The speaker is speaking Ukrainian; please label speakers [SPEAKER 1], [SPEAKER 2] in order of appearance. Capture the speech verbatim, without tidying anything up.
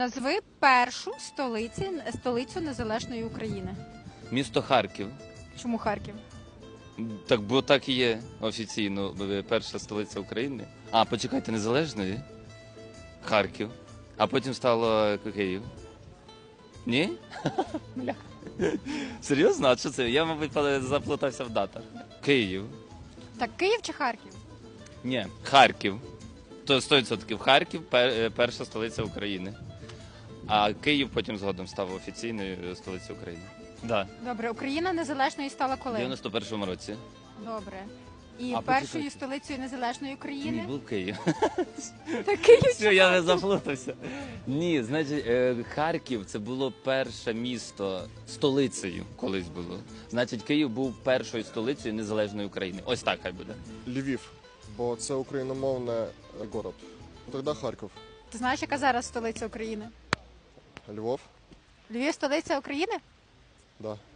[SPEAKER 1] Назви першу столиці, столицю незалежної України.
[SPEAKER 2] Місто Харків.
[SPEAKER 1] Чому Харків?
[SPEAKER 2] Так, бо так і є офіційно перша столиця України. А, почекайте, незалежної? Харків. А потім стало Київ. Ні? Бля. Серйозно? А що це? Я, мабуть, заплутався в датах. Київ.
[SPEAKER 1] Так, Київ чи Харків?
[SPEAKER 2] Ні, Харків. То сто відсотків Харків пер- перша столиця України. А Київ потім згодом став офіційною столицею України. Да.
[SPEAKER 1] Добре, Україна незалежною стала
[SPEAKER 2] В
[SPEAKER 1] коли?
[SPEAKER 2] дев'яносто першому році.
[SPEAKER 1] Добре. І
[SPEAKER 2] А,
[SPEAKER 1] першою
[SPEAKER 2] почекайте.
[SPEAKER 1] столицею незалежної
[SPEAKER 2] Ні,
[SPEAKER 1] України?
[SPEAKER 2] був Київ.
[SPEAKER 1] Та Київ.
[SPEAKER 2] Все, я не заплутався. Ні, значить, е, Харків це було перше місто столицею колись було. Значить, Київ був першою столицею незалежної України. Ось так хай буде.
[SPEAKER 3] Львів, бо це україномовний город. Тоді Харків.
[SPEAKER 1] Ти знаєш, яка зараз столиця України?
[SPEAKER 3] Львов,
[SPEAKER 1] Львів столиця України?
[SPEAKER 3] да.